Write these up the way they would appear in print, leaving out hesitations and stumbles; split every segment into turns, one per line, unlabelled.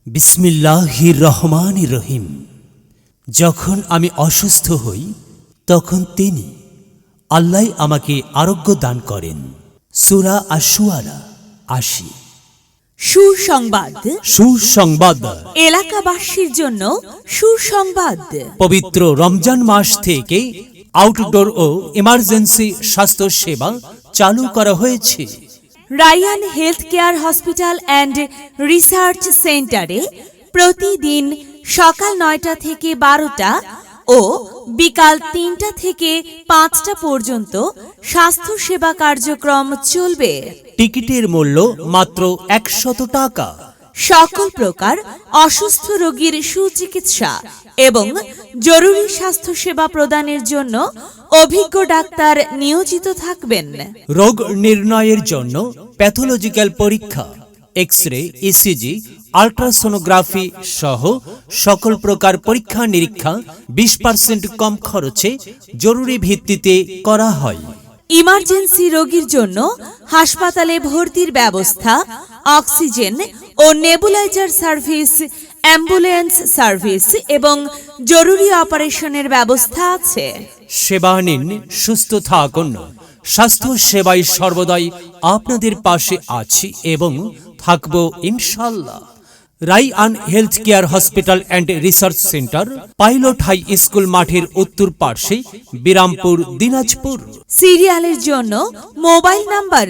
বিসমিল্লাহির রহমানির রহিম। যখন আমি অসুস্থ হই তখন তিনি আল্লাহ আমাকে আরোগ্য দান করেন। সূরা আশ-শুআরা ৮০।
সুসংবাদ,
সুসংবাদ,
এলাকাবাসীর জন্য সুসংবাদ।
পবিত্র রমজান মাস থেকে আউটডোর ও ইমার্জেন্সি স্বাস্থ্য সেবা চালু করা হয়েছে।
Rayan health care hospital and research সেন্টারে প্রতিদিন সকাল ৯টা থেকে ১২টা ও বিকাল ৩টা থেকে ৫টা পর্যন্ত স্বাস্থ্যসেবা কার্যক্রম চলবে।
টিকিটের মূল্য মাত্র ১০০ টাকা।
সকল প্রকার অসুস্থ রোগীর সুচিকিৎসা এবং জরুরি স্বাস্থ্যসেবা প্রদানের জন্য অভিজ্ঞ ডাক্তার নিয়োজিত থাকবেন।
রোগ নির্ণয়ের জন্য প্যাথোলজিক্যাল পরীক্ষা, এক্স-রে, ইসিজি, আল্ট্রাসোনোগ্রাফি সহ সকল প্রকার পরীক্ষা নিরীক্ষা ২০% কম খরচে জরুরি ভিত্তিতে করা হয়।
ইমার্জেন্সি রোগীর জন্য হাসপাতালে ভর্তির ব্যবস্থা, অক্সিজেন ও নেবুলাইজার সার্ভিস, অ্যাম্বুলেন্স সার্ভিস এবং জরুরি অপারেশনের ব্যবস্থা আছে।
সেবা নিন, সুস্থ থাকুন। স্বাস্থ্য সেবায় সর্বদাই আপনাদের পাশে আছি এবং থাকব ইনশাল্লাহ। Rayan health care hospital and research centre, pilot high school মাঠের উত্তর পার্শ্বে, বিরামপুর, দিনাজপুর।
সিরিয়ালের জন্য মোবাইল নাম্বার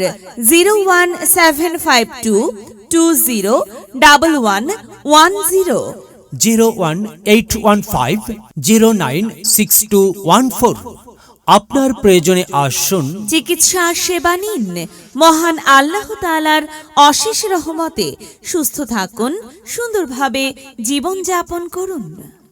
01752201110,
01815096214। আপনার প্রয়োজনে আসুন,
চিকিৎসা সেবা নিন। মহান আল্লাহ তাআলার অশেষ রহমতে সুস্থ থাকুন, সুন্দরভাবে জীবনযাপন করুন।